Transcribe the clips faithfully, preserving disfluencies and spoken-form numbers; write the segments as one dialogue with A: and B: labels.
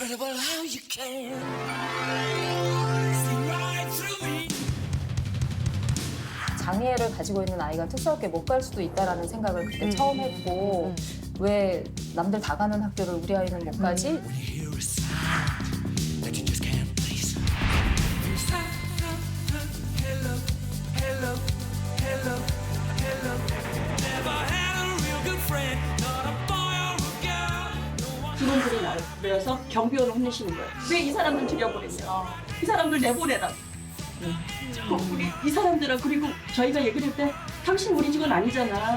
A: Incredible how you can see right through me.
B: 장애를 가지고 있는 아이가 특수학교에 못 갈 수도 있다라는 생각을 그때 처음 했고 왜 남들 다 가는 학교를 우리 아이는 못 가지?
A: When you hear a sound that you just can't place. Hello, hello, hello, hello. Never had a real good friend, not a boy or a girl.
C: 직원들이 나를 불러서 경비원을 혼내시는 거예요. 왜 이 사람들 들여보냈냐. 이 사람들 내보내라. 어, 우리 이 사람들은 그리고 저희가 얘기를 할 때 당신 우리 직원 아니잖아.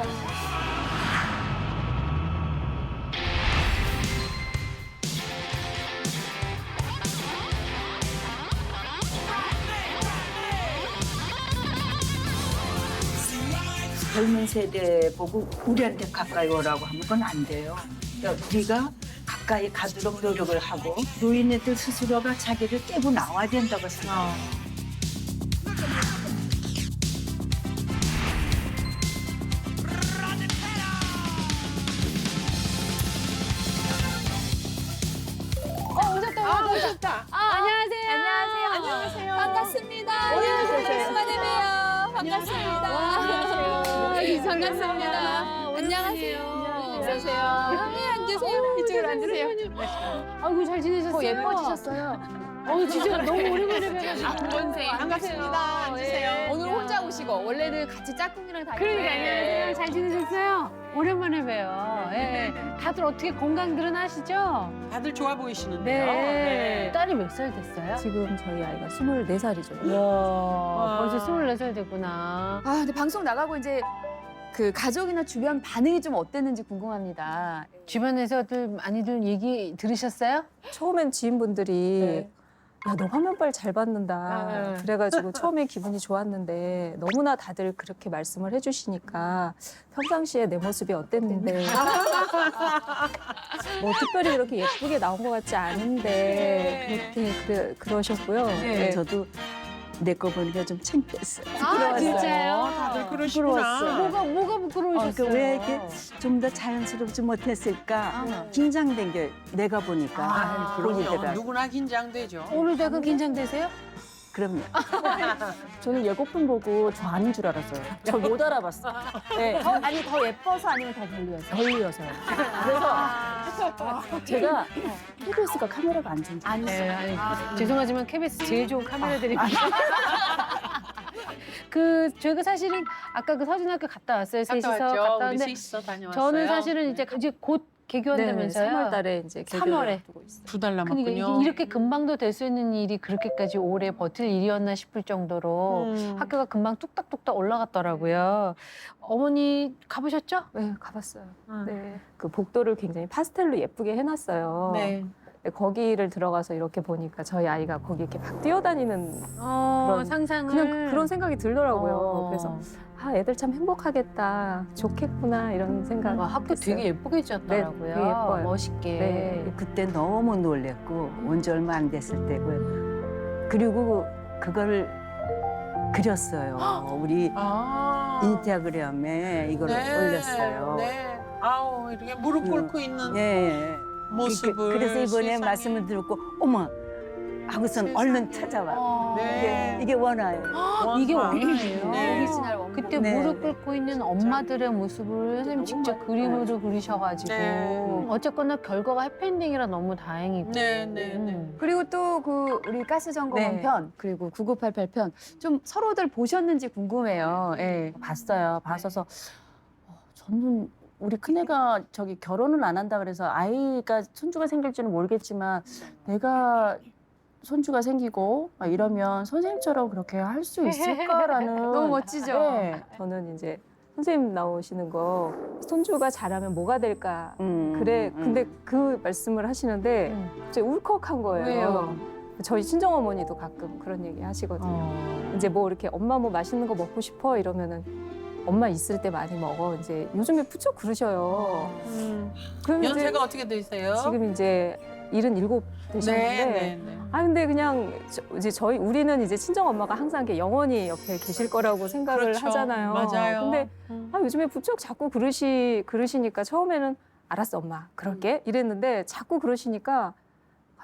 D: 젊은 세대 보고 우리한테 가까이 오라고 하면 그건 안 돼요. 그러니까 우리가 가까이 가도록 노력을 하고 노인네들 스스로가 자기를 깨고 나와야 된다고 생각해요.
E: 어, 오셨다, 오셨다. 아, 안녕하세요. 안녕하세요. 안녕하세요. 반갑습니다. 안녕하세요. 오랜만에 봬요. 반갑습니다. 안녕하세요. 반갑습니다. 안녕하세요. 안녕하세요. 앉으세요. 이쪽으로 앉으세요.
B: 아이고 잘 지내셨어요?
E: 더 예뻐지셨어요.
B: 어 진짜 너무 오랜만에 뵈가지고.
E: 안본생. 반갑습니다. 앉으세요. 오늘 혼자 오시고 원래는 같이 짝꿍이랑 다니는데.
F: 그러니까 안녕하세요. 잘 지내셨어요? 오랜만에 봬요. 예. 다들 어떻게 건강들은 하시죠?
G: 다들 좋아 보이시는데요.
F: 네. 딸이 몇 살 됐어요?
B: 지금 저희 아이가 스물네 살이죠.
F: 와, 벌써 스물네 살 됐구나.
E: 아, 근데 방송 나가고 이제 그 가족이나 주변 반응이 좀 어땠는지 궁금합니다.
F: 주변에서들 많이들 얘기 들으셨어요?
B: 처음엔 지인분들이
F: 네.
B: 야, 너 화면빨 잘 받는다.
F: 아, 네.
B: 그래가지고 처음에 기분이 좋았는데 너무나 다들 그렇게 말씀을 해주시니까 평상시에 내 모습이 어땠는데 뭐 특별히 그렇게 예쁘게 나온 것 같지 않은데 그렇게 그래, 그러셨고요. 네.
D: 저도 내 거 보니까 좀 창피했어요.
F: 아, 진짜요?
G: 다들 그러시구나.
F: 뭐가, 뭐가 부끄러우셨어요?
D: 그러니까 왜 이렇게 좀 더 자연스럽지 못했을까? 긴장된 게 내가 보니까
G: 아, 그럼요.
D: 보이더라고요.
G: 누구나 긴장되죠.
F: 오늘도 약간 긴장되세요?
D: 그럼요.
B: 저는 예고편 보고 저 아닌 줄 알았어요. 저 못 알아봤어요. 네. 더, 아니 더 예뻐서 아니면 더 별로였어요? 별로여서요. 그래서 제가 케이비에스가 카메라가 안 좋은지
F: 네, 아니, 죄송하지만 케이비에스 제일 좋은 카메라들이 그 저희가 사실은 아까 그 서진학교 갔다 왔어요. 셋이서 갔다
G: 우리
F: 왔는데
G: 셋이서 다녀왔어요.
F: 저는 사실은 이제 이제 곧 개교한다면서요.
B: 삼월 달에 이제
F: 삼월에.
B: 두고 있어요.
G: 두 달
F: 그러니까
G: 남았군요.
F: 이게 이렇게 금방도 될 수 있는 일이 그렇게까지 오래 버틸 일이었나 싶을 정도로
G: 음.
F: 학교가 금방 뚝딱뚝딱 올라갔더라고요. 어머니 가보셨죠?
B: 네, 가봤어요.
F: 음.
B: 네. 그 복도를 굉장히 파스텔로 예쁘게 해놨어요.
G: 네.
B: 네, 거기를 들어가서 이렇게 보니까 저희 아이가 거기 이렇게 막 뛰어다니는
F: 어,
B: 그런-
F: 상상을.
B: 그냥 그런 생각이 들더라고요.
F: 어.
B: 그래서 아 애들 참 행복하겠다, 좋겠구나 이런 생각.
F: 와, 학교 되게 예쁘게 지었더라고요.
B: 네, 되게 예뻐요.
F: 멋있게.
B: 네.
D: 그때 너무 놀랬고 온 지 얼마 안 됐을 때고요. 그리고 그걸 그렸어요. 우리
G: 아.
D: 인스타그램에 이걸 올렸어요.
G: 네. 아우, 이렇게 무릎
D: 음.
G: 꿇고 있는
D: 예.
G: 모습을.
D: 그, 그래서 이번에
G: 세상에.
D: 말씀을 듣고 어머 하고선
G: 세상에.
D: 얼른 찾아와.
F: 어.
G: 네.
D: 이게, 이게 원화예요.
F: 이게
G: 원화.
F: 원화예요.
G: 네.
E: 오리지널 원본.
F: 그때
D: 네.
F: 무릎 꿇고 있는 엄마들의 모습을 선생님 직접 그림으로 그리셔가지고
G: 네.
F: 어쨌거나 결과가 해피엔딩이라 너무 다행이고.
G: 네, 네, 네.
F: 음.
E: 그리고 또 그 우리 가스 점검원
B: 네.
E: 편 그리고 구구팔팔 편 좀 서로들 보셨는지 궁금해요. 예.
H: 봤어요. 봤어서 어, 저는 우리 큰애가 저기 결혼을 안 한다 그래서 아이가 손주가 생길지는 모르겠지만 내가 손주가 생기고 막 이러면 선생님처럼 그렇게 할 수 있을까라는
E: 너무 멋지죠?
H: 네.
B: 저는 이제 선생님 나오시는 거 손주가 잘하면 뭐가 될까.
D: 음,
B: 그래.
D: 음.
B: 근데 그 말씀을 하시는데
F: 음.
B: 갑자기 울컥한 거예요.
F: 왜요?
B: 저희 친정 어머니도 가끔 그런 얘기 하시거든요.
F: 어.
B: 이제 뭐 이렇게 엄마 뭐 맛있는 거 먹고 싶어 이러면은 엄마 있을 때 많이 먹어. 이제 요즘에 부쩍 그러셔요.
G: 음.
B: 그럼 이제
G: 연세가 어떻게 되세요?
B: 지금 이제 일흔일곱 되셨는데
G: 네, 네, 네.
B: 아 근데 그냥 저, 이제 저희 우리는 이제 친정 엄마가 항상 이렇게 영원히 옆에 계실 거라고 생각을
G: 그렇죠.
B: 하잖아요.
G: 맞아요.
B: 근데
G: 음.
B: 아, 요즘에 부쩍 자꾸 그러시 그러시니까 처음에는 알았어 엄마 그럴게 이랬는데 자꾸 그러시니까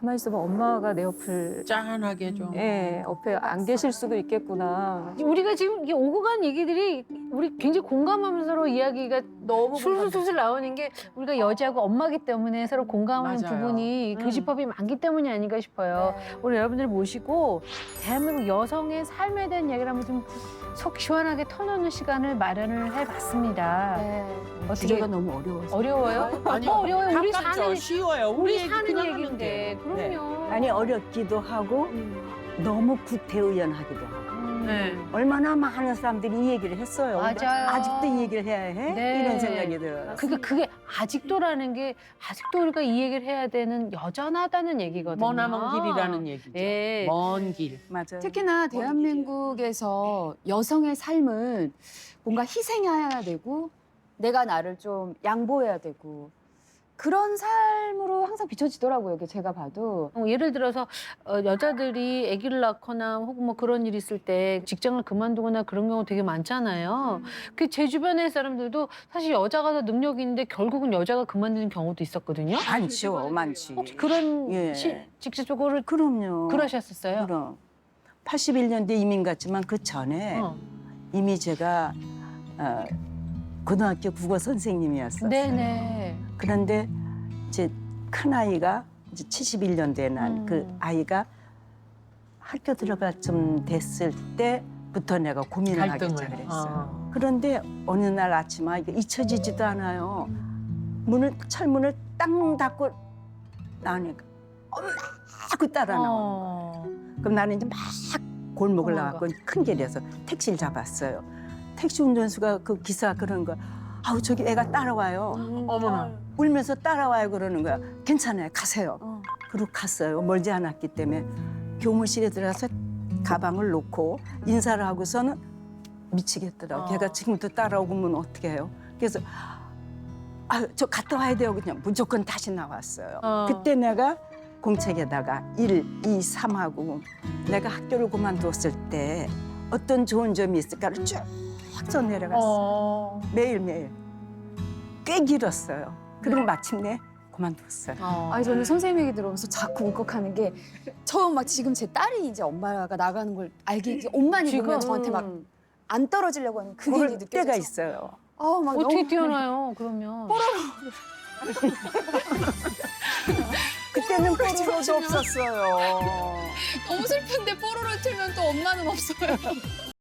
B: 가만히 있어봐 엄마가 내 옆을
G: 짠하게 좀.
B: 예 옆에 안 계실 수도 있겠구나.
F: 우리가 지금 이게 오고 간 얘기들이 우리 굉장히 공감하면서 서로 이야기가
G: 너무
F: 술술술 나오는 게 우리가 여자고 엄마기 때문에 서로 공감하는
G: 맞아요.
F: 부분이
G: 음.
F: 교집합이 많기 때문이 아닌가 싶어요. 오늘 여러분들 모시고 대한민국 여성의 삶에 대한 얘기를 한번 좀 속 시원하게 터놓는 시간을 마련을 해봤습니다.
B: 네.
F: 어떻게
H: 주제가 너무 어려워서.
F: 어려워요?
G: 아니,
F: 뭐 어려워요? 우리
G: 가깝죠.
F: 사는
G: 쉬워요.
F: 우리
G: 얘기
F: 사는
G: 그냥
F: 얘기인데
G: 하면 돼요.
F: 그럼요.
D: 아니 어렵기도 하고 너무 구태의연하기도 하고.
F: 음.
G: 네.
D: 얼마나 많은 사람들이 이 얘기를 했어요. 근데
F: 맞아요.
D: 아직도 이 얘기를 해야 해?
F: 네.
D: 이런 생각이 들어요.
F: 그게 그게 아직도라는 게 아직도 우리가 이 얘기를 해야 되는 여전하다는 얘기거든요.
G: 머나먼 길이라는 얘기죠.
F: 예.
G: 먼 길.
D: 맞아요.
E: 특히나 대한민국에서 여성의 삶은 뭔가 희생해야 되고 내가 나를 좀 양보해야 되고 그런 삶으로 항상 비춰지더라고요. 이게 제가 봐도.
F: 어, 예를 들어서 어, 여자들이 아기를 낳거나 혹은 뭐 그런 일이 있을 때 직장을 그만두거나 그런 경우 되게 많잖아요. 그 제 주변의 사람들도 사실 여자가 더 능력이 있는데 결국은 여자가 그만두는 경우도 있었거든요.
D: 많죠, 많지.
F: 혹시 그런
D: 예.
F: 시, 직접적으로
D: 그럼요.
F: 그러셨었어요?
D: 그럼. 팔십일 년대 이민 갔지만 그 전에
F: 어.
D: 이미 제가 어, 고등학교 국어 선생님이었어요.
F: 네네.
D: 그런데 이제 큰 아이가 이제 칠십일 년대에 난 그
F: 음.
D: 아이가 학교 들어갈 좀 됐을 때부터 내가 고민을 하기
G: 갈등을.
D: 시작했어요.
G: 어.
D: 그런데 어느 날 아침에 이게 잊혀지지도 않아요. 문을 철문을 땅 닫고 나오니까 엄마 하고 따라 나오는 거예요.
F: 어.
D: 그럼 나는 이제 막 골목을
F: 어머나.
D: 나갔고 큰 길에서 택시를 잡았어요. 택시 운전수가 그 기사 그러는 거야. 아우 저기 애가 따라와요.
G: 어머나.
D: 울면서 따라와요 그러는 거야. 괜찮아요 가세요.
E: 어.
D: 그리고 갔어요. 멀지 않았기 때문에 교무실에 들어가서 가방을 놓고 인사를 하고서는 미치겠더라고.
G: 어.
D: 걔가 지금도 따라오면 어떻게 해요? 그래서 아 저 갔다 와야 돼요. 그냥 무조건 다시 나왔어요.
F: 어.
D: 그때 내가 공책에다가 일, 이, 삼하고 내가 학교를 그만두었을 때 어떤 좋은 점이 있을까를 쭉 써내려갔어요.
F: 어.
D: 매일매일. 꽤 길었어요. 그리고 마침내 그만뒀어요.
F: 어.
E: 아니 저는 선생님 얘기 들으면서 자꾸 울컥하는 게 처음 막 지금 제 딸이 이제 엄마가 나가는 걸 알게 이제 옷만 입으면 저한테 막 안 떨어지려고 하는 그게
D: 그럴
E: 이제 느껴져서
D: 때가 있어요.
E: 아우 막
F: 어떻게
E: 너무
F: 뛰어나요? 그러면
D: 그때는 뽀로로도 없었어요.
E: 너무 슬픈데 뽀로로 틀면 또 엄마는 없어요.